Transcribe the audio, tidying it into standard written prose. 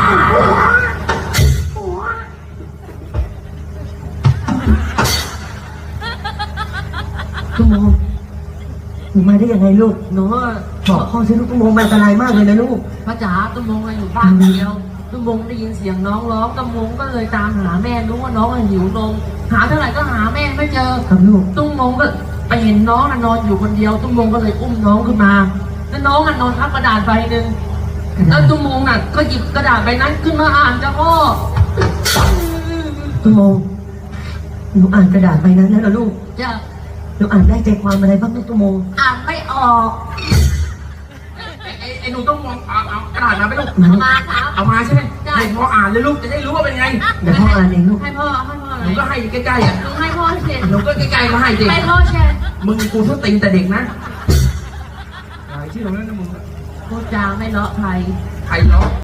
ตุ้มโมหนูมาได้ยังไงลูกหนูบอกพ่อสิลูกตุ้มโมมันอันตรายมากเลยนะลูกพระจ๋าตุ้มมงอยู่บ้านเดียวตุ้มมงได้ยินเสียงน้องร้องตุ้มมงก็เลยตามหาแม่รู้ว่าน้องหิวนมหาเท่าไหร่ก็หาแม่ไม่เจอครับลูกตุ้มมงก็ไปเห็นน้องนอนอยู่คนเดียวตุ้มมงก็เลยอุ้มน้องขึ้นมาแล้วน้องนอนทับกระดาษใบหนึ่งแล้วตุ้มมงก็หยิบกระดาษใบนั้นขึ้นมาอ่านจ้าพ่อตุ้มโมหนูอ่านกระดาษใบนั้นแล้วนะลูกจ้ะหนูอ่านได้ใจความอะไรบ้างลูกตุ้มโมอ่านไม่ออกไอ้หนูต้องมองเอากระดาษมาไปลูกมาครับเอามาใช่ไหมให้พ่ออ่านเลยลูกจะได้รู้ว่าเป็นไงเดี๋ยวพ่ออ่านเองลูกให้พ่อหนูก็ให้ใกล้ๆอ่ะหนูให้พ่อเช็ดหนูก็ใกล้ๆก็ให้สิให้พ่อเช็ดมึงกูทุบตีนแต่เด็กนะชื่อตรงนั้นนะมึงพูดจาไม่เลาะใครใครเนาะ